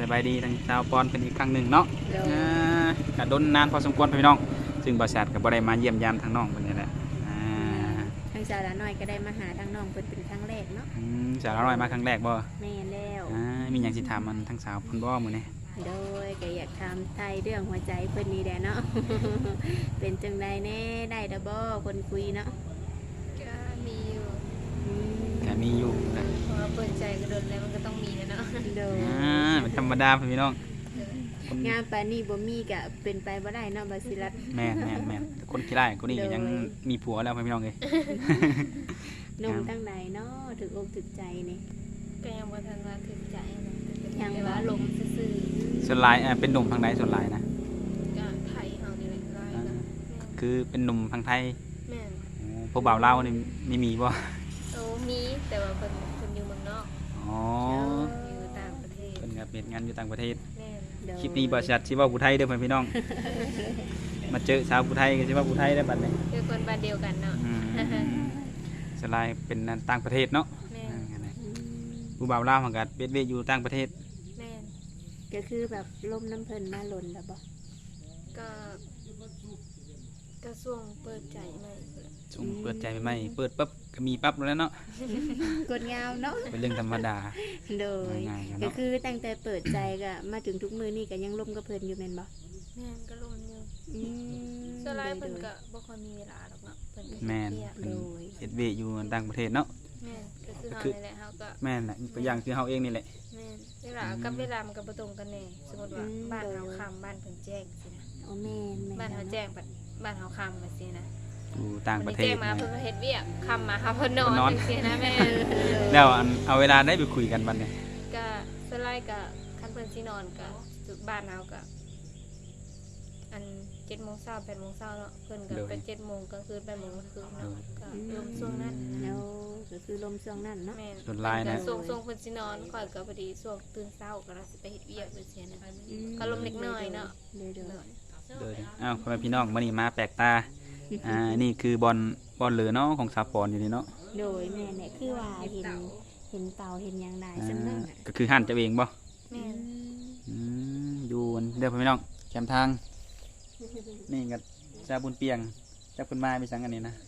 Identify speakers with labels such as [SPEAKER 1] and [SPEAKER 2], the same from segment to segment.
[SPEAKER 1] บายดีทั้งชาวปอนเป็นอีกครั้งหนึ่งเนาะ
[SPEAKER 2] โดย
[SPEAKER 1] กะดนนานพอสมควรพี่น้องซึ่งบริษัทก็บ่ได้มาเยี่ยมยามทางน้องเพิ่นนี่แหละ
[SPEAKER 2] ทางสาวละน้อยก็ได้มาหาทางน้องเพิ่นเป็นครั้งแรกเนาะ
[SPEAKER 1] สาวน้อยมาครั้งแรกบ่
[SPEAKER 2] แม่นแล้ว
[SPEAKER 1] มีหยังสิถามมันทั้งสาวเพิ่นบ่มื้อนี้
[SPEAKER 2] โดยก็อยากถามไทยเรื่องหัวใจเพิ่นนี่แหละเนาะ เป็นจังไดแน่ได้ดอกบ่คนคุยเนาะ
[SPEAKER 3] ก็มีอยู่
[SPEAKER 2] อืม
[SPEAKER 1] ก็มีอยู่นะ
[SPEAKER 3] เพราะว่าเปิดใจก็โดนแล้วมันก็ต้องมีนะเนาะ
[SPEAKER 2] โดย
[SPEAKER 1] เป็นธรรมดาพี่น้องคน
[SPEAKER 2] งามปานนี้บ่มีก็เป็นไปบ่ได้เนาะบาสิรัต
[SPEAKER 1] แม่นแต่คนขี้ร้ายคนนี้ก็ยังมีผัวแล้วพี่น้องเอ้ย
[SPEAKER 2] หนมทางไหนเนาะถึกอกถึกใจนี่
[SPEAKER 3] ก็ยังบ่ทันว่าถึงใจนะ
[SPEAKER 2] ยัง
[SPEAKER 3] แต่ว่าลมซื่อ
[SPEAKER 1] ส่วนหลายเป็นหนุ่มทางใดส่วนหลายนะ
[SPEAKER 3] ๆก็ไทยเฮานี่แหละร้ายก็แม่น
[SPEAKER 1] คือเป็นหนุ่มทางไทย
[SPEAKER 3] แม่น
[SPEAKER 1] พวกบ่าวลาวนี่ไม่มีบ่
[SPEAKER 3] โอ้มีแต่ว่าเพิ่นอยู่เมืองนอก
[SPEAKER 1] อ๋อ
[SPEAKER 3] อยู่ต่างประเทศ
[SPEAKER 1] เป็นกับเป็นงานอยู่ต่างประเทศ
[SPEAKER 3] แม่น
[SPEAKER 2] โดย
[SPEAKER 1] คลิปนี้บริษัทชิว่าผู้ไทยเด้อพี่น้อง มาเจอสาวผู้ไทยก็ชิว่าผู้ไทยได้บัดนี้
[SPEAKER 3] คือคนบ้านเดียวกันเนาะ
[SPEAKER 1] สลายเป็นต่างประเทศเนาะ
[SPEAKER 3] แม่น
[SPEAKER 2] อืม
[SPEAKER 1] ผู้บ่าวลาวมันก็เบ็ดเวยอยู่ต่างประเทศ
[SPEAKER 3] แม่น
[SPEAKER 2] ก็คือแบบลมน้ำเพิ่นมาหล่นแล้วบ่
[SPEAKER 3] ก็ก็ช่วงเปิดใจใหม่พุ่นแหละ
[SPEAKER 1] ส่งเปิดใจใหม่ๆเปิดปั๊บก็มีปั๊บแล้วเนาะ
[SPEAKER 2] กดงามเนาะ
[SPEAKER 1] เป็นเรื่องธรรมดา
[SPEAKER 2] โดย
[SPEAKER 1] ง่ายๆ
[SPEAKER 2] ก็
[SPEAKER 1] เนาะ
[SPEAKER 2] คือตั้งแต่เปิดใจก็มาถึงทุกมือนี่ก็ยังล่มกับเพิ่นอยู่แม่นบ่
[SPEAKER 3] แม่นก็ลมอยู่
[SPEAKER 2] อืม
[SPEAKER 3] ส่วนหลายเพิ่นก็บ่ค่อยมีเวลาหรอกเนาะเพิ่นก็
[SPEAKER 1] แม่น
[SPEAKER 3] เรียก
[SPEAKER 1] เป็นเฮ็ดเวยอยู่ต่างประเทศเนาะ
[SPEAKER 3] แม่นก็คือเฮานี่แหละเฮาก็
[SPEAKER 1] แม่นแหละตัวอย่างคือเฮาเองนี่แหละ
[SPEAKER 3] แม่นเวลากับเวลามันก็บ่ตรงกันแน่สมมุติว่าบ้านเฮาค่ำบ้านเพิ่นแจ้งสินะ
[SPEAKER 2] โอ้แม่นแม่น
[SPEAKER 3] บ้านเฮาแจ้งบัดบ้านเฮาค่ำบัดสินะ
[SPEAKER 1] อยู่ต่างประเทศ
[SPEAKER 3] แจ้งมาเพิ่นก็เฮ็ดเวียกค่ำมาเฮาเพิ่นนอน
[SPEAKER 1] เพิ่นนอน
[SPEAKER 3] จังซี่นะแม่
[SPEAKER 1] แล้วเอาเวลาได้ไปคุยกันบัดนี้
[SPEAKER 3] ก็สไลด์ก็คันเพิ่นสินอนก็จุดบ้านเฮาก็อัน7:00 น 8:00 นเนาะเพิ่นก็ไป7:00 นกลางคืน8:00 นกลางคืนเนาะก็รวมช่วงนั้น
[SPEAKER 2] แล้วก็คือลมช่วงนั้นเนาะ
[SPEAKER 3] แม่น
[SPEAKER 1] ส่วนหลายนะ
[SPEAKER 3] ก็ช่วงเพิ่นสินอนข่อยก็พอดีช่วงตื่นเช้าก็เราสิไปเฮ็ดเวียกจังซี่นะ
[SPEAKER 2] อืม
[SPEAKER 3] ก็ลมเล็กน้อยเนาะ
[SPEAKER 2] เด้อ
[SPEAKER 3] เนาะ
[SPEAKER 1] โดยอ้าวพ่อแม่พี่น้องมื้อนี้มาแปลกตานี่คือบอลเหลือเนาะของสาปอนอยู่นี่เนาะ
[SPEAKER 2] ๆโดยแม่นเนี่ยคือว่าเห็นเต่าเห็นหยังได้ซั่นนั้นน่ะ
[SPEAKER 1] ก็คือหันจะเองบ่
[SPEAKER 3] แม่น
[SPEAKER 1] อยู่เดี๋ยวพี่น้องแคมทาง นี่กับชาบุญเปียงจับคุณมาไปสังกันนี่นะ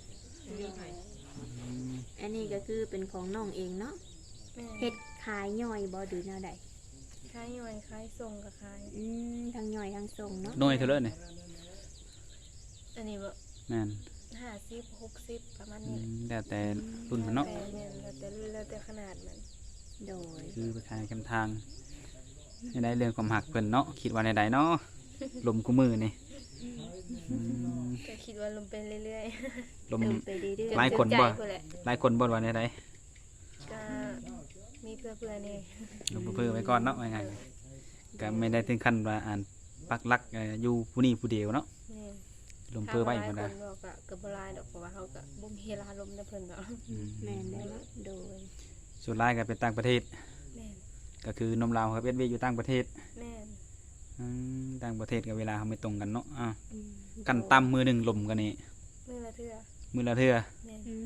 [SPEAKER 2] อันนี้ก็คือเป็นของน้องเองเนาะ
[SPEAKER 3] แม่น
[SPEAKER 2] เฮ็ดขายย่อยบ่หรือแนวใด
[SPEAKER 3] คล้ายย่อยคล้ายทรงกับคล้าย
[SPEAKER 2] ทั้งย่อยทั้งส่งเนาะ
[SPEAKER 1] น้อยเท่าเลยนี่
[SPEAKER 3] อันนี้แบบ
[SPEAKER 1] แม่น
[SPEAKER 3] 50 60ประมาณนี้
[SPEAKER 1] แล้วแต่รุ่นมันเนาะ
[SPEAKER 3] แต่แม่นแล้วแต่รุ่นแล้วแต่ขนาดมัน
[SPEAKER 2] โดย
[SPEAKER 1] คือไปขายแคมทางในได้เรื่องความหักเพิ่นเนาะคิดว่าในใดเนาะลมกูมือนี่อืม
[SPEAKER 3] ก็คิดว่าลงไปเรื่อย
[SPEAKER 1] ลม
[SPEAKER 2] ลงไปเรื่อย
[SPEAKER 3] ๆ
[SPEAKER 1] หลายคน
[SPEAKER 3] จ
[SPEAKER 1] บ่
[SPEAKER 3] ใจพุ่นแหละ
[SPEAKER 1] หลายคนบ่ว่าในใด
[SPEAKER 3] ก็มีเพื่อนๆนี่
[SPEAKER 1] ลมเพื่อไว้ก่อนเนาะว่าไงก็ไม่ได้ถึงขั้นว่าอ่านปักหลักอยู่ผู้นี้ผู้เดียวเนาะ
[SPEAKER 3] แม่น
[SPEAKER 1] ลมเพื่อไว้
[SPEAKER 3] ถ้า
[SPEAKER 1] บ่
[SPEAKER 3] หลา
[SPEAKER 1] ได้
[SPEAKER 3] ยคนบอกก็บ่หลายดอกเพราะว่าเฮาก็บ่มีเวลาลมแต่เพิ่นดอก
[SPEAKER 1] อืม
[SPEAKER 2] ๆแม่นได้เนาะโดย
[SPEAKER 1] ส่วนหลายก็เป็นต่างประเทศ
[SPEAKER 3] แม่น
[SPEAKER 1] ก็คือนมลาวครับเอ็ดเวยอยู่ต่างประเทศ
[SPEAKER 3] แม่น
[SPEAKER 1] ต่างประเทศกับเวลาเขาไม่ตรงกันเนาะ
[SPEAKER 2] อืม
[SPEAKER 1] กันต่ำมือหนึ่งลมกันนี่
[SPEAKER 3] มื้อละเทื่อ
[SPEAKER 1] มือละเทื่อ
[SPEAKER 3] แม่น
[SPEAKER 2] อื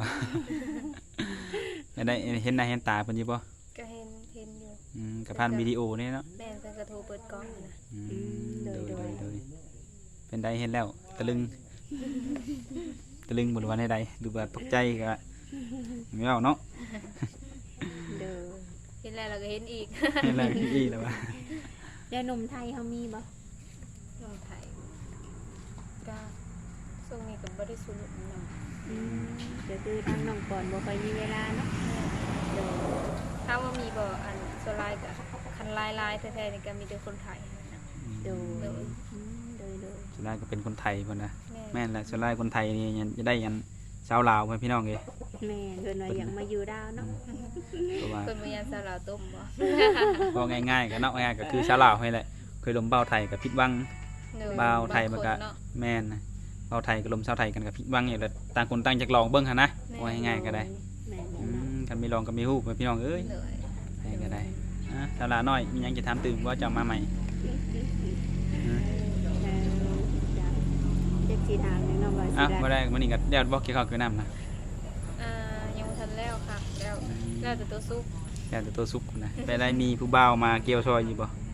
[SPEAKER 2] ม
[SPEAKER 1] ได้เห็นหน้าเห็นตาเพิ่นอยู่บ่
[SPEAKER 3] ก็เห็นอยู่
[SPEAKER 1] กับผ่านวิดีโอนี่เนาะ
[SPEAKER 3] แม่นเพิ่นก็โทรเปิดกล้องนะ
[SPEAKER 1] โดยเป็นได้เห็นแล้วตะลึงตะลึงบนวันใดดูแบบตกใจก็ไม่เอาเนาะ
[SPEAKER 2] โดย
[SPEAKER 3] เห็นแล้วเราก็เห็นอีก
[SPEAKER 1] เห็นแล้วอีแล้วว่า
[SPEAKER 2] แล้วนมไทยเฮามีบ่
[SPEAKER 3] นมไทยก็ช่วงนี้ก็บ่ได้สูบนม
[SPEAKER 2] อืมก็คือทางน้องก่อนบ่ค่อยมีเวลาเนาะโดย
[SPEAKER 3] ถ้าว่ามีบ่อันโซลายก็คันลายๆแท้ๆนี่ก็มีแต่คนไทยนะ
[SPEAKER 2] โดย
[SPEAKER 3] โดย
[SPEAKER 2] โดย
[SPEAKER 1] ส่วนหลายก็เป็นคนไทยเพิ่นนะ
[SPEAKER 3] แม่
[SPEAKER 1] แม่นแหละส่วนหลายคนไทยนี่จะได้ยันชาวลาวเพิ่นพี่น้องเอ้ย
[SPEAKER 2] แม่เพิ่นว่าอยากมาอยู่ดาวเนาะ
[SPEAKER 1] เพราะว่า
[SPEAKER 3] เพิ่นบ่ยานสาวลาวต้มบ่
[SPEAKER 1] พอง่ายๆก็เนาะง่ายๆก็คือชาวลาวนี่แหละเคยลมเบาไทยกับผิดหวัง บ่าวไทยมันก็
[SPEAKER 3] บางคนเนาะ
[SPEAKER 1] แม่นนะเบาไทยกับลมชาวไทยกันกับผิดหวังอย่างละต่างคนต่างจากลองเบิ่งหั่นนะ
[SPEAKER 3] แม่
[SPEAKER 1] ว่าง่ายๆก็ได้
[SPEAKER 2] แม่
[SPEAKER 1] กันไม่ลองก็ไม่ฮู้พี่น้องเอ้ย
[SPEAKER 3] เลย
[SPEAKER 1] ให้ก็ได้สาระน้อยมีหยังจะถามตื่นว่าจะมาใหม่
[SPEAKER 2] เจ็ดสีถามเลยเนาะว่าสิ
[SPEAKER 1] บ่
[SPEAKER 2] ได้
[SPEAKER 1] ได้มื้อนี้ก็แล้วบ่เกี่ยวกับคือน้ำนะ
[SPEAKER 3] ยังบ่ทันแล้วค่ะแล้วแต่ตัวซุป
[SPEAKER 1] แค่แต่ตัวซุปนะไปได้มีผู้บ่าวมาเกี่ยวซอยอยู่บ่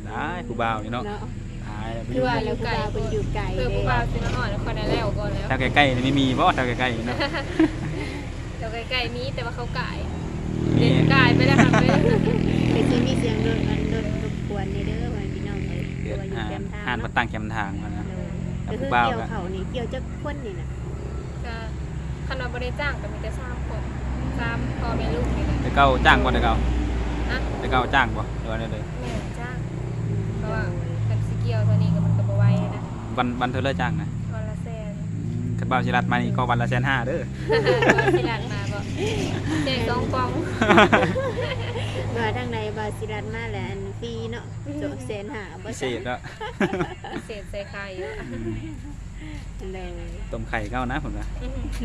[SPEAKER 1] ได้ผู้บ่าวนี่เนาะ
[SPEAKER 2] เนาะ
[SPEAKER 1] ตายแล้ว
[SPEAKER 2] คือว่าแล้วผู้บ่าวเพิ่นอยู่ไกล
[SPEAKER 3] คือ
[SPEAKER 2] เด้
[SPEAKER 3] ผู้บ่าวสิมาหอดแล้วคนได้แล้วก่อนแล้ว
[SPEAKER 1] แถวใกล้ๆนี่ไม่มีบ่แถวใกล้ๆเนาะ
[SPEAKER 3] เดี๋ยวใกล้ๆนี้แต่ว่าเขาก่าย
[SPEAKER 1] มี
[SPEAKER 3] เด็ดก่ายไปแล้วค่ะไป
[SPEAKER 2] ไปสิมีเสียงรถรบกวนในเด้อว่าพี่น้องเอ้ย
[SPEAKER 1] เดือด
[SPEAKER 2] ว่าอยู่แคมป์ทาง
[SPEAKER 1] อ่านมา
[SPEAKER 2] เนาะ
[SPEAKER 1] ตั้งแคมป์ทางมานะ
[SPEAKER 2] ก็คือ
[SPEAKER 1] ผู้บ่าว
[SPEAKER 2] เกี่ยว
[SPEAKER 1] ก็
[SPEAKER 2] เขานี่เกี่ยวจักคนนี่น่ะ
[SPEAKER 3] ก็คันว่าบ่ได้จ้างก็มีแต่3คน3พ่อแม่ลูกนี่แหละ
[SPEAKER 1] แต่เก่าจ้างบ่แต่เก่า
[SPEAKER 3] นะ
[SPEAKER 1] แต่เก่าจ้างบ่หรือว่าได้เลย
[SPEAKER 3] แม่จ้างเพราะว่าคันสิเกี่ยวเท่านี้ก็มันก็บ่ไหวนะ
[SPEAKER 1] วันเธอเลิกจ้างนะ
[SPEAKER 3] วันละแสน
[SPEAKER 1] คันบ่าวสิรัดมานี่ก็วันละ150,000เด้อ
[SPEAKER 3] ก็สิลัดมาก็แจก2ปอง
[SPEAKER 2] ว่าทางในบาสิรัตมาแล้วอันฟรีเนาะโจเซนหาบ่
[SPEAKER 1] พิเศษแล้ว
[SPEAKER 3] พิเศษใส่ไข่เยอะ
[SPEAKER 2] เลย
[SPEAKER 1] ต้มไข่เก้านะผมนะ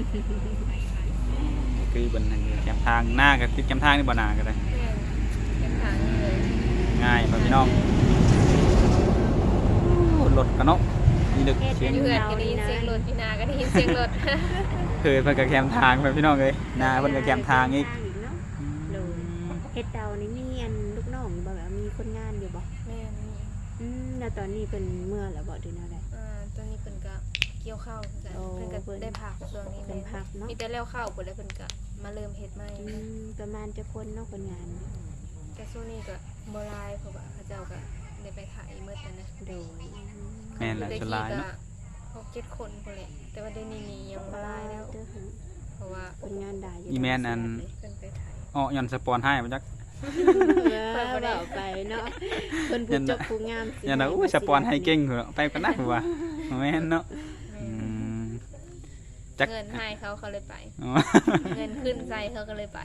[SPEAKER 1] คือบนทางแคมป์ทางหน้ากับติดแคมป์ทางนี่บ่หนาก็ได้
[SPEAKER 3] เก็บถังเลย
[SPEAKER 1] ง่ายบ่พี่น้องรถกันเนาะนี่ดึกเสียง
[SPEAKER 3] เพื่อนก็ได้ยินเสียงรถพี่นาก็ได้ยินเสียงรถ
[SPEAKER 1] เคยเพิ่นก็แคมป์ทางไปพี่น้องเอ้ยหน้าเพิ่นก็แคมป์ทางอีก
[SPEAKER 2] เนาะเลยเฮ็ดเตานี่มีอันลูกน้องอยู่บ่แบบมีคนงานอยู่บ่
[SPEAKER 3] แม่นี่
[SPEAKER 2] แล้วตอนนี้เป็นเมื่อแล้วบ่ดูแนวใด
[SPEAKER 3] ตัวนี้เพิ่นก็เกี่ยวข้าวกัน
[SPEAKER 2] โอ้
[SPEAKER 3] เพิ่นก็ได้ผักช่วงนี้
[SPEAKER 2] เป็นพักเนาะ
[SPEAKER 3] มีแต่แล้วข้าวหมดแล้วเพิ่นก็มาเริ่มเฮ็ดใหม่
[SPEAKER 2] ประมาณจะคนเนาะคนงาน
[SPEAKER 3] แต่ช่วงนี้ก็บ่หลายเพราะว่าเขาเจ้าก็ได้ไปถ่ายหมดแล้วนะ
[SPEAKER 2] โดย
[SPEAKER 1] แม่นแหละชนลายเนาะ
[SPEAKER 3] 6-7 คนพุ่นแหละแต่ว่าเดี๋ยวนี้นี่ยังบ่หลายแล้ว เพราะว่า
[SPEAKER 2] คนงานได้อยู่
[SPEAKER 1] อีแม่นอัน
[SPEAKER 3] เพิ่นไปถ่าย
[SPEAKER 1] อ้อย่อนสปอนให้มาจัก
[SPEAKER 2] เบาไปเนาะเพิ่นผู้จบผู้งาม
[SPEAKER 1] อย่านะอู้สปอนให้เก่งเหรอไปกันนะหัวแม่นเนาะจัก
[SPEAKER 3] เงินให้เขาเลยไป
[SPEAKER 1] อ๋อ
[SPEAKER 3] เงินขึ้นใจเขาก็เลยไป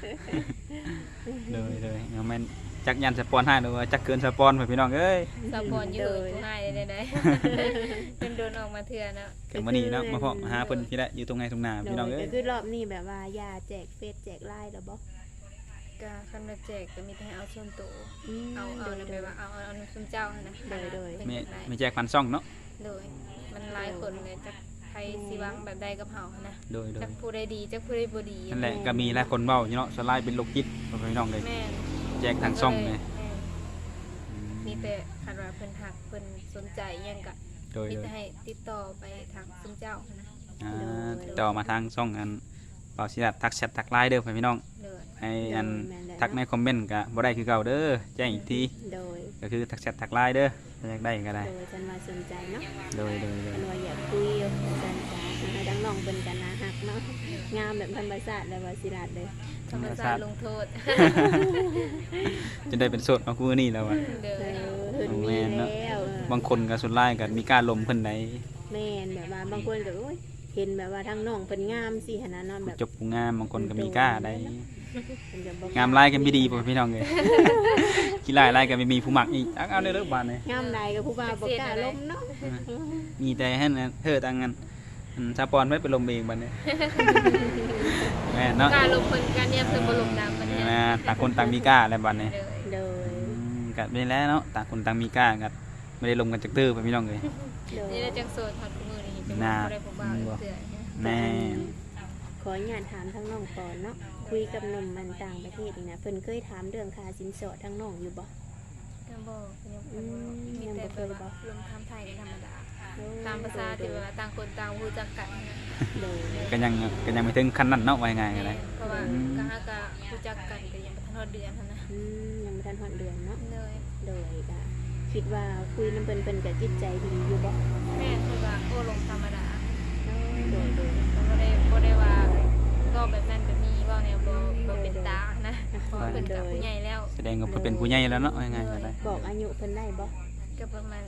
[SPEAKER 1] เลยเอาแม่นจักยันสปอนให้หรือว่าจักเกินสปอนไปพี่น้องเอ้ย
[SPEAKER 3] สปอนอยู่ทุกให้ได้เป็นโดนออกมาเถื่อนะ
[SPEAKER 1] เกิดมื้อนี้เนาะมาพบหาเพิ่นพี่ละอยู่ตรงไหนตรงหน้าพี่น้องเอ้ย
[SPEAKER 2] ก็คือรอบนี้แบบว่ายาแจกเฟซแจกไลน์แล้วบ่
[SPEAKER 3] ก็คันว่าแจกก็มีแต่ให้เอาส่วนตัวเอาเลยไปว่าเอาส่วนเจ้านะ
[SPEAKER 1] ไม่แจกพันซ่องเนาะ
[SPEAKER 3] โดยมันหลายคนเลยจักใครสิวังแบบใดกับเฮานะ
[SPEAKER 1] โดย
[SPEAKER 3] จักผู้ใดดีจักผู้ใดบ่ดี
[SPEAKER 1] นั่นแหละก็มีหลายคนเว้าอยู่เนาะสไลด์เป็นโรคจิตพี่น้องเลย
[SPEAKER 3] แม่
[SPEAKER 1] แจกทางซ่องเลย
[SPEAKER 3] มีแต่คันว่าเพิ่นหักเพิ่นสนใจหยังก็
[SPEAKER 1] โดย
[SPEAKER 3] มีแต่ให้ติดต่อไปทางส่วนเจ้านะ
[SPEAKER 1] ติดต่อมาทางซ่องอันเป่าสิรัดทักแชททักไลน์เด้อพี่น้อง
[SPEAKER 3] เลย
[SPEAKER 1] ให้อันทักในคอมเมนต์ก็บ่ได้คือเก่าเด้อแจ้งอีกที
[SPEAKER 2] โดย
[SPEAKER 1] ก็คือทักแชททักไลน์เด้อถ้าอยากได้ก็ได้
[SPEAKER 2] โดยฉันว่าสนใจเนาะ
[SPEAKER 1] โดย
[SPEAKER 2] ฉันว่าอยากคุยฉันจะให้ทั้งน้องเป็นกันนะฮักเนาะงามแบบธรรมชาติเลยว่าสิรัตเลย
[SPEAKER 3] ธรรมศาสตร์ลงโทษ
[SPEAKER 1] จะได้เป็นโสดมาคู่นี่แล้วอ่ะ
[SPEAKER 3] เด้อ
[SPEAKER 2] เพิ่นมีแล้ว
[SPEAKER 1] บางคนก็สุดไล่กันมีการลมเพิ่นไหน
[SPEAKER 2] แม่นแบบว่าบางคนก็โอ้ยเห็นแบบว่าทั้งน้องเพิ่นงามสิหั่นน่ะเนาะแบบ
[SPEAKER 1] จบผู้งามบางคนก็มีกล้าได้
[SPEAKER 2] เพิ่นก็บ่
[SPEAKER 1] งามไล่กันไม่ดีพ่อพี่น้องเลยขี้ไล่ไล่กันไม่มีผู้มักอีกเอาเด้อบ้านเลย
[SPEAKER 2] งามใดก็ผู้บ่าวบ่กล้าล้มเนาะ
[SPEAKER 1] มีแต่ให้เธอตั้งกันซาปอนไว้ไปลมเองบ้านนี้แม่เนาะ
[SPEAKER 3] การลงคนการเนี่ยเพิ่นบ่ลงน้ำมันเนี่ย
[SPEAKER 1] นะต่างคนต่างมีกล้าอะไรบ้านนี้
[SPEAKER 3] เด้อ
[SPEAKER 2] โดย
[SPEAKER 1] กัดไปแล้วเนาะต่างคนต่างมีกล้ากันไม่ได้ลมกันจากตื้อพ่อพี่น้องเลย
[SPEAKER 2] โดย
[SPEAKER 3] นี่ได้จังโสดฮอดมื้อนี้จังบ่ได้บ่บ่าวเตือน
[SPEAKER 1] แน่
[SPEAKER 2] ขออนุญาตถามทั้งน้องก่อนเนาะคุยกับหนุ่มมันต่างประเทศนี่นะเพิ่นเคยถามเรื่องค่าสินสอดทั้งน้องอยู่บ่
[SPEAKER 3] ก็บ่ยังมีแต่แบบว่าลงทำไทยธรรมดาตามภาษาที่ว่าต่างคนต่างรู้จักกันนะ
[SPEAKER 2] โดย
[SPEAKER 1] ก็ยังไม่ถึงขั้นนั้นเนาะว่ายังไงกันเลย
[SPEAKER 3] เพราะว่าก็หาก็รู้จักกันก็ยังบ่ทันฮอดเดือนหั่นนะ
[SPEAKER 2] ยังไม่ทันฮอดเดือนเนาะ
[SPEAKER 3] เลย
[SPEAKER 2] โดยก็คิดว่าคุยน้ำเพิ่นก็จิตใจดีอยู่บ่
[SPEAKER 3] แม่คือว่าโอ้ลงธรรมดา
[SPEAKER 2] โดย
[SPEAKER 3] บ่ได้ว่าก็แบบนั้นแบบนี้ว่าแนวบ่เป็นตานะเพราะเพิ่นก็ผู้ใหญ่แล้ว
[SPEAKER 1] แสดงว่าเพิ่นเป็นผู้ใหญ่แล้วเนาะว่ายังไงกันเลย
[SPEAKER 2] บอกอายุเพิ่นได้บ่
[SPEAKER 3] ก็ประมาณ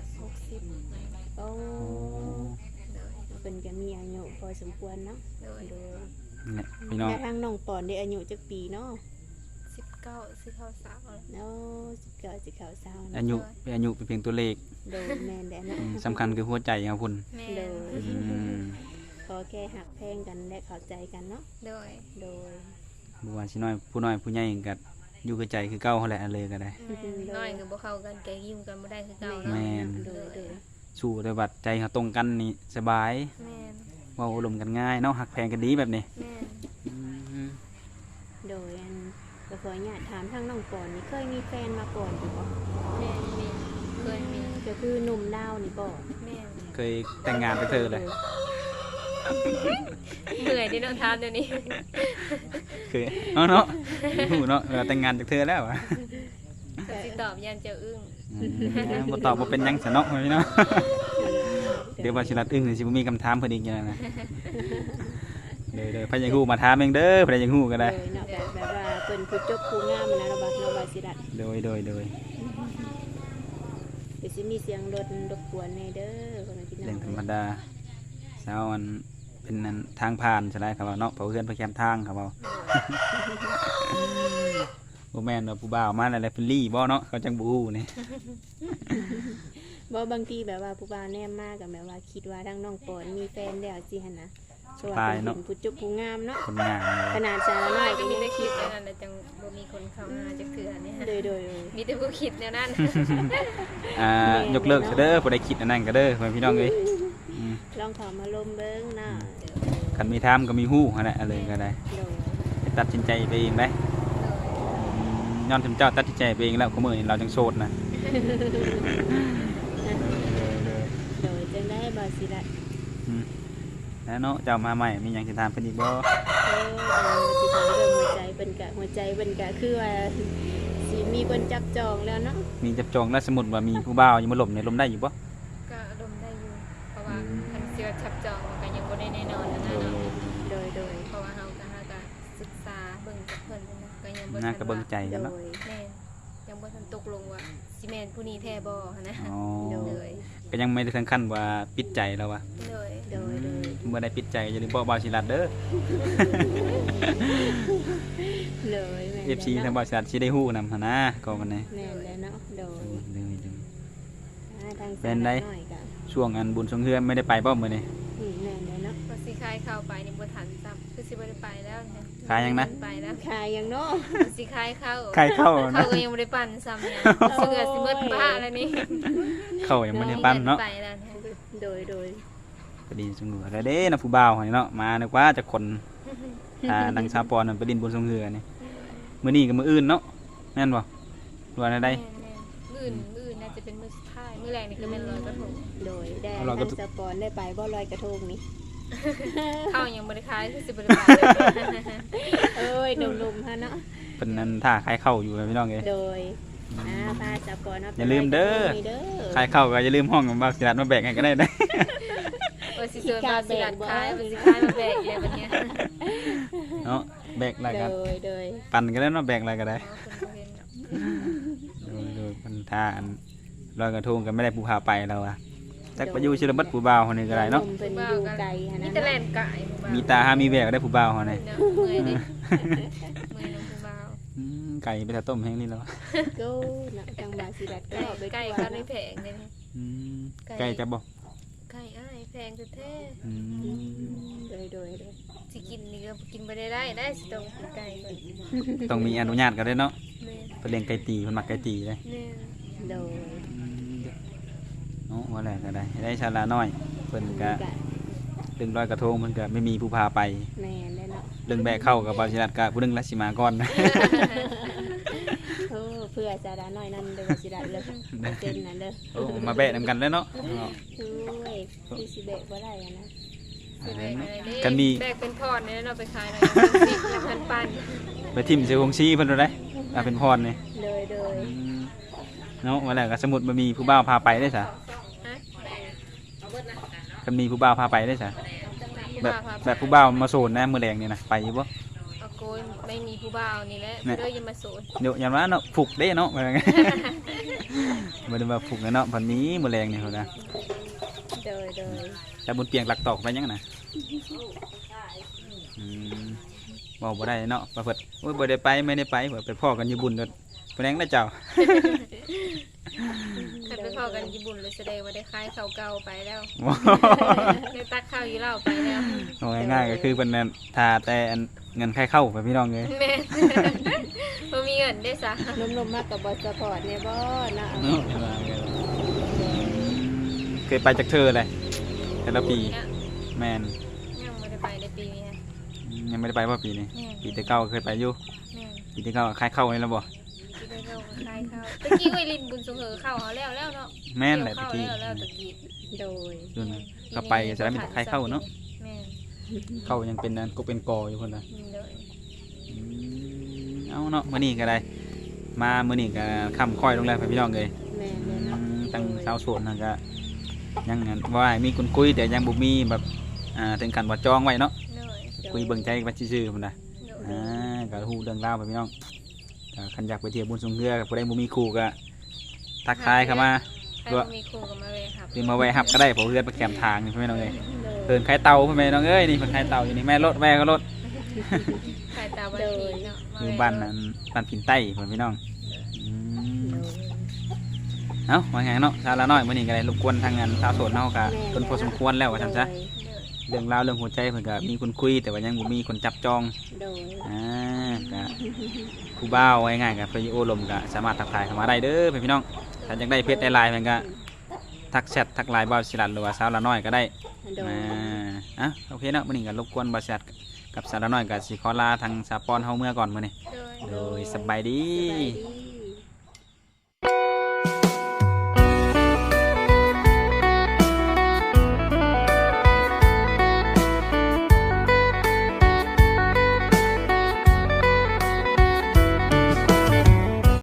[SPEAKER 3] 60
[SPEAKER 2] โอ้
[SPEAKER 3] เลย
[SPEAKER 2] เพิ่นก็มีอายุพอสมควรเนาะ
[SPEAKER 3] เลย
[SPEAKER 2] โดย
[SPEAKER 1] เนี่ยพี่น้อง
[SPEAKER 2] แต่ทางน้องปอนได้อายุจักปีเนาะ
[SPEAKER 3] 19สิเข้า3แล้ว
[SPEAKER 2] เนาะ19สิเข้า20
[SPEAKER 1] อายุเป็นอายุเป็นเพียงตัวเลข
[SPEAKER 2] โดยแม่นแด้เนาะ
[SPEAKER 1] สำคัญคือหัวใจครับคุณ
[SPEAKER 3] แม่
[SPEAKER 2] โดย
[SPEAKER 1] อืม
[SPEAKER 2] ขอแค่หักแพงกันและเข้าใจกันเนาะ
[SPEAKER 3] โดย
[SPEAKER 2] โดย
[SPEAKER 1] บัวสิน้อยผู้น้อยผู้ใหญ่ก็อยู่กับใจคือเก่าเขาแหละอันเลยก็ได้
[SPEAKER 3] น้อยก็บ่เข้ากันแกยิ้มกันบ่ได้คือเก่า
[SPEAKER 1] แม่
[SPEAKER 3] เนาะ
[SPEAKER 1] น
[SPEAKER 2] โดยโดย
[SPEAKER 1] สู้แต่บัดใจเขาตรงกันนี่สบาย
[SPEAKER 3] แม่น
[SPEAKER 1] เว่าอารมณ์กันง่ายเนาะหักแพงกันดีแบบนี้
[SPEAKER 3] แม่น
[SPEAKER 1] อืม
[SPEAKER 2] โดยก็ขออนุญาตถามทางน้องปอนนี่เคยมีแฟนมาก่อนอยู่บ่
[SPEAKER 3] แม่นมี
[SPEAKER 2] โ
[SPEAKER 3] เคยมี
[SPEAKER 2] ก็คือหนุ่มลาวนี่บ่
[SPEAKER 3] แม่น
[SPEAKER 1] เคยแต่งงานไปเธอเลย
[SPEAKER 3] เหนื่อยที่ต้องทำเดี๋ยวนี้
[SPEAKER 1] เคยเนาะหูเนาะเวลาแต่งงานจากเธอแล้วอะ
[SPEAKER 3] ก็สิตอบยันเจ้าอึ้ง
[SPEAKER 1] บ่ตอบบ่เป็นหยังซะเนาะพี่เนาะเดี๋ยวว่าสิรัดอึ้งนี่สิบ่มีคำถามเพิ่นอีกอย่างนะเด้อๆพะยังฮู้มาถามเองเด้อพะยังฮู้ก็ได้
[SPEAKER 2] โดยเนาะแบบว่าเพิ่นผู้จบผู้งามนะเราว่าสิรัด
[SPEAKER 1] โดย
[SPEAKER 2] เดี๋ยวสิมีเสียงรถรบกวนแน่เด้อพ่อแม่พี่น้
[SPEAKER 1] เรื่
[SPEAKER 2] อ
[SPEAKER 1] อง งธรรมดาเช้ามันเป็นอันทางผ่านใช่ไหมครับว่าเนาะเผาเพื่อนไปแคมป์ทางครับว่าบ่แม่นว่าผู้บ่าวมาอะไรเป็นลี่บ่เนาะเขาจังบ่ฮู้นี่
[SPEAKER 2] บ่บางทีแบบว่าผู้บ่าวแนมมากกับแบบว่าคิดว่าทางน้องปอนมีแฟนแล้วสิหั่นนะเพราะว่าเพิ่นเป็นผู้จบผู้งามเนาะ
[SPEAKER 1] คนงาม
[SPEAKER 2] ขนาดสาวน้อย
[SPEAKER 3] ก็
[SPEAKER 2] ก็
[SPEAKER 3] มี
[SPEAKER 2] ยัง
[SPEAKER 3] แต่
[SPEAKER 2] คิ
[SPEAKER 3] คิ
[SPEAKER 2] ด
[SPEAKER 3] ดแนวนั้นแต่จังบ่มีคนเข้ามาจักเทื่อเนี่ย
[SPEAKER 2] โดย
[SPEAKER 3] มีแต่ผู้คิดแนวนั้น
[SPEAKER 1] ยกเลิกซะเด้อบ่ได้คิดอันนั้นก็เด้อพี่น้องเอ้ย
[SPEAKER 2] ลองเข้ามาลมเบิ่งเนาะ
[SPEAKER 1] คันมีทามก็มีฮู้หั่นแหละอะไรก็ได้
[SPEAKER 2] โดย
[SPEAKER 1] ไปตัดสินใจไปเองได้ย้อนถึงเจ้าตัดสินใจไปเองแล้วก็มื้อนี้เราจังโสดนะ
[SPEAKER 2] โดยจังได้บ่สิรัด
[SPEAKER 1] แล้วเนาะเจ้ามาใหม่มีหยังสิถามเพิ่นอีกบ่
[SPEAKER 2] สิถามเรื่องหัวใจเพิ่นก็คือว่าสิมีคนจับจองแล้วเนาะ
[SPEAKER 1] มีจับจองแล้วสมมุติว่ามีผู้บ่าวอยู่มาหล่มเนี่ยหล่มได้อยู่บ่
[SPEAKER 3] ก็อารมณ์ได้อยู่ เพราะว่าคันเสียชับจองก็ยังบ่ได้แน่นอนนะเนาะ
[SPEAKER 2] โดย
[SPEAKER 3] เพราะว่าเฮาก็ศึกษาเบิ่งกับเพิ่นนะก็ยังบ่
[SPEAKER 1] น่า
[SPEAKER 3] ทัน
[SPEAKER 1] ก็เบิ่ง
[SPEAKER 3] ว่า
[SPEAKER 1] ใจกัน
[SPEAKER 2] โด
[SPEAKER 1] เนาะ
[SPEAKER 2] ย
[SPEAKER 3] แม่นยังบ่ทันตกลงว่าสิแม่นผู้นี้แท้บ่หันนะ
[SPEAKER 1] อ๋อ
[SPEAKER 3] เลย
[SPEAKER 1] ก็ยังไม่ได้ถึงขั้นว่าปิดใจแล้ววะ
[SPEAKER 3] เลย
[SPEAKER 2] โดย
[SPEAKER 1] เมื่อได้ปิดใจอย่าลืมบอกบาวชิรัดเด้อ
[SPEAKER 2] เลยแม่น
[SPEAKER 1] FC ทางบาวชิรัดสิได้ฮู้นำหั่นนะก็มันนี่
[SPEAKER 2] แม่นแล้วเนาะโดย ทาง
[SPEAKER 1] เป็นได
[SPEAKER 2] หน่อยก็
[SPEAKER 1] ช่วงอันบุญสงเฮือนไม่ได้ไปบ่มื้อนี้
[SPEAKER 2] แม่นแล้วเนาะ
[SPEAKER 3] ก็สิคายเข้าไปนี่บ่ทันซ้ำคือสิบ่ได้ไปแล้วนะ
[SPEAKER 1] ขายยังนะ
[SPEAKER 3] ไปแล้ว
[SPEAKER 2] ขายยังเนาะ
[SPEAKER 3] สิคายเข้า
[SPEAKER 1] ใครเข้า
[SPEAKER 3] เขา
[SPEAKER 1] นะ
[SPEAKER 3] ก็ยังบ่ได้ปั่นซ้ำเนี่ยเสือสิเบิดบ้าแล้วนี่
[SPEAKER 1] เข้ายังไม่ได้ปั้นเนาะ
[SPEAKER 3] ไปแล้วนะ
[SPEAKER 2] โดย
[SPEAKER 1] ก็ดีสงเฮือแล้วเด้นะผู้บ่าวหั่นเนาะมานึกว่าจะคนนางสาวปอนนนไปดินบุญสงเฮือนี่มื้อนี้กับมื้ออื่นเนาะแม่นบ่ว่าได้
[SPEAKER 3] แม่นๆมื้อน่าจะเป็นมื้อสุดท้ายมื้อแรกนี่ก็แม่นลอยกระทง
[SPEAKER 2] โดยได้
[SPEAKER 1] เอาเราก็
[SPEAKER 2] ทางสปอนได้ไปบ่ลอยกระทงนี่
[SPEAKER 3] เข้ายังบ่ได้คายคือสิบ่ได้ไป
[SPEAKER 2] เอ้ยหนุ่มๆฮะเนาะ
[SPEAKER 1] เพิ่นนั้นท่าขายเข้าอยู่พี่น้องเอ้ย
[SPEAKER 2] โดยพาสปอนเนาะ
[SPEAKER 1] อย่าลืมเด้อ
[SPEAKER 2] ไปลยกระทงนี่เด้อ
[SPEAKER 1] ขายเข้าก็อย่าลืมห้องของบาวชิรัดมาแบ่งให้ก็ได้นะ
[SPEAKER 3] ว่าสิเชิญมาสิลัดคายว่าสิคายมาแบกเลยบัดเนี้ย
[SPEAKER 1] เนาะแบกอะไรกัน
[SPEAKER 2] โดย
[SPEAKER 1] ปั่นก็ได้เนาะแบกอะไรก็ได้
[SPEAKER 3] อ๋อเพิ่นบ่เห็นเนาะ
[SPEAKER 1] โดยพันธาอันลอยกระทงกันไม่ได้ผู้พาไปเราอะจักไปอยู่ชิลบัดผู้บ่าวคนนี้ก็ได้เนาะ
[SPEAKER 2] หนุ่มเพิ่นอยู่ไกลฮะ
[SPEAKER 3] มี
[SPEAKER 2] นะ
[SPEAKER 3] แต่แล่นไก่ผู้บ่าว
[SPEAKER 1] มีตาหามีแววได้ผู้บ่าวคนนี้
[SPEAKER 3] เนาะเมื่อยดิเมื่อยน้องผู้บ่าว
[SPEAKER 1] ไก่ไปถ้าต้มแห้งนี่แล้ว
[SPEAKER 2] ก็เนาะจังหวะสิรัดก็เอาไป
[SPEAKER 3] ไก่
[SPEAKER 2] ทั่ว
[SPEAKER 3] ก็ไม่
[SPEAKER 2] เนาะ
[SPEAKER 3] แพงเลยนะ
[SPEAKER 1] ไก่จะบอก
[SPEAKER 3] ไก่อ้ายแพงแท้
[SPEAKER 2] โดย
[SPEAKER 3] ๆสิกินนี่ก็กินบ่ได้สิต้องกินไก่ก่อน
[SPEAKER 1] ต้องมีอนุญาตกันได้เนาะ
[SPEAKER 3] แม่น
[SPEAKER 1] เพิ่นเลี้ยงไก่ตีเพิ่นมักไก่ตีเลย
[SPEAKER 3] แม่น
[SPEAKER 2] โดย
[SPEAKER 1] เนาะว่าแล้วก็ได้ชาลาน้อยเพิ่นก็เรื่องลอยกระทงเพิ่นก็ไม่มีผู้พาไป
[SPEAKER 2] แม่นได้เนาะ
[SPEAKER 1] เรื่องแบกเข้ากับบาวชิรัดก็ผู้หนึงละสิมาก่อน
[SPEAKER 2] โอ้เพื่อจะได้น้อยนั่นเด้อสิรัดเลยเป็นนั่นเด้อ
[SPEAKER 1] โอ้มาแบะนำกันเลยเนาะ
[SPEAKER 2] ช่วยพี่สิเบะบ่ได้อะนะ
[SPEAKER 3] สิแบกอะไรนี่
[SPEAKER 1] กันมี
[SPEAKER 3] แบกเป็นพรเนี่ยเราไปขายหน่อยสิแล้วพันปัน
[SPEAKER 1] ไปทิ่มเสือคงชี้เพิ่นได้เป็นพรนี่
[SPEAKER 2] โดย
[SPEAKER 1] เนาะว่าแล้วก็สมมุติบ่มีผู้บ่าวพาไปได้ซะ
[SPEAKER 3] ฮะ
[SPEAKER 1] กันมีผู้บ่าวพาไปได้ซะ แบบผู้บ่าวมาโซนนะมื้อแรงนี่นะไปอยู่บ่
[SPEAKER 3] เอาโกยไม่มีผู้บ่าวนี่แหละ
[SPEAKER 1] เนี่ย
[SPEAKER 3] เด้ออยังมาโสน
[SPEAKER 1] เดี๋ยวอย่างว่าเนาะผูกเด้เนาะว่าไง บ่ได้ว่าผูกเนาะพันนี้มื้อแรงนี่พุ่นนะ
[SPEAKER 2] โดย
[SPEAKER 1] แต่บนเตียงหลักตอกไปยังน่ะอืมบอกบ่ได้เนาะว่าเพิ่นโอ้ยบ่ได้ไปไม่ได้ไปเพิ่นไปพ้อกันอยู่บุญเด้อเพิ่นแรงนะเจ้า
[SPEAKER 3] คันไปเข้ากันญี่ปุ่นเลยแสดงว่าได้คายข้าวเก่าไปแล้วได้ตักข้าวอยู่เหล้าไปแล้ว
[SPEAKER 1] เอาง่ายๆก็คือเพิ่นนั่นทาแต่อันเงินใครเข้าไปพี่น้องเอ้ย
[SPEAKER 3] แม่ บ่มีเงินได้ซะ
[SPEAKER 2] นมๆมากกับบอสปอร์ตเนี่ยบ่เนาะ
[SPEAKER 1] เนาะเคยไปจากเธอเลยแต่ละปี
[SPEAKER 3] นะ
[SPEAKER 1] แม่น
[SPEAKER 3] ยังบ่ได้ไปในปีนี้ฮะ
[SPEAKER 1] ยังไม่ได้ไปว่าปีนี้
[SPEAKER 3] แม่
[SPEAKER 1] ปีที่เก้าเคยไปอยู่
[SPEAKER 3] แม่
[SPEAKER 1] ปีที่เก้าคล้ายเข้านี่แล้วบ่
[SPEAKER 3] แสิได้ลงคายเข้าตะกี้ไว้ลินบุญสงเฮอเข้าเอาแล้วเนาะ
[SPEAKER 1] แม่นแหละตะ
[SPEAKER 3] เกี่
[SPEAKER 1] กี้
[SPEAKER 3] ยวเข้าแล้วตะกี้
[SPEAKER 2] โดย
[SPEAKER 1] ส่วนเข้าไปจะได้มีแต่ใครเข้าเนาะ
[SPEAKER 3] แม่น
[SPEAKER 1] เข้ายังเป็นนั้นก็เป็นกออยู่คนละ
[SPEAKER 3] โดย
[SPEAKER 1] เอาเนาะมื้อนี้ก็ได้มามื้อนี้ก็ค่ำค่อยลงแล้วพี่น้องเอ้ย
[SPEAKER 2] แม่นเลยเนาะ
[SPEAKER 1] ตั้งชาวสวนนั่นก็ยังงั้นว่าให้มีคนคุยแต่ยังบ่มีแบบถึงกันว่าจองไว้เนาะ
[SPEAKER 3] โดย
[SPEAKER 1] คุยเบิ่งใจกันซื่อๆพุ่นน่ะ
[SPEAKER 3] โดย
[SPEAKER 1] ก็ฮู้เรื่องราวไปพี่น้องก็คันอยากไปเที่ยวบุญสงเรือกับผู้ใดบ่มีคู่ก็ทักทายเข้ามา
[SPEAKER 3] ใครบ่มีครูก็มาเวครับ
[SPEAKER 1] หรือมาแวะรับก็ได้เพราะเรือไปแคมทางนี่พี่น้องเอ้ย
[SPEAKER 2] โดย
[SPEAKER 1] เพิ่นขายเตาพี่น้องเอ้ยนี่เพิ่นขายเตาอยู่นี่แม่รถแม่ก็รถ
[SPEAKER 3] ใครตาบ้านผีเนาะม
[SPEAKER 1] อยู่
[SPEAKER 3] แวะ
[SPEAKER 1] บ้านนั้นบ้านพินใต้เพิ่นพี่น้องอืมเอ้าว่าไงเนาะชาละน้อยมื้อนี้ก็ได้รบกวนทางงานชาวโสดเฮาก็เพิ่นพอสมควรแล้วว่าซั่นซะ
[SPEAKER 3] โดย
[SPEAKER 1] เรื่องราวเรื่องหัวใจเพิ่นก็มีคนคุยแต่ว่ายังบ่มีคนจับจอง
[SPEAKER 2] โดย
[SPEAKER 1] ก็ผู้บ่าวไว้ง่ายๆก็ไปโอ้ลมก็สามารถทักทายเข้ามาได้เด้อพี่น้องถ้าอยากได้เพจได้ไลน์เพิ่นก็ทักแชททักไลน์บ่าวสิรัตหรือว่าสาวละน้อยก็ได้
[SPEAKER 2] โดย
[SPEAKER 1] โอเคเนาะมื้อนี้ก็รบกวนบ่าวสิรัตกับสาวละน้อยก็สิขอลาทางสาปอนเฮาเมื่อก่อนมื้อนี้
[SPEAKER 3] โดย
[SPEAKER 1] โดยสบายดี
[SPEAKER 2] สบายดี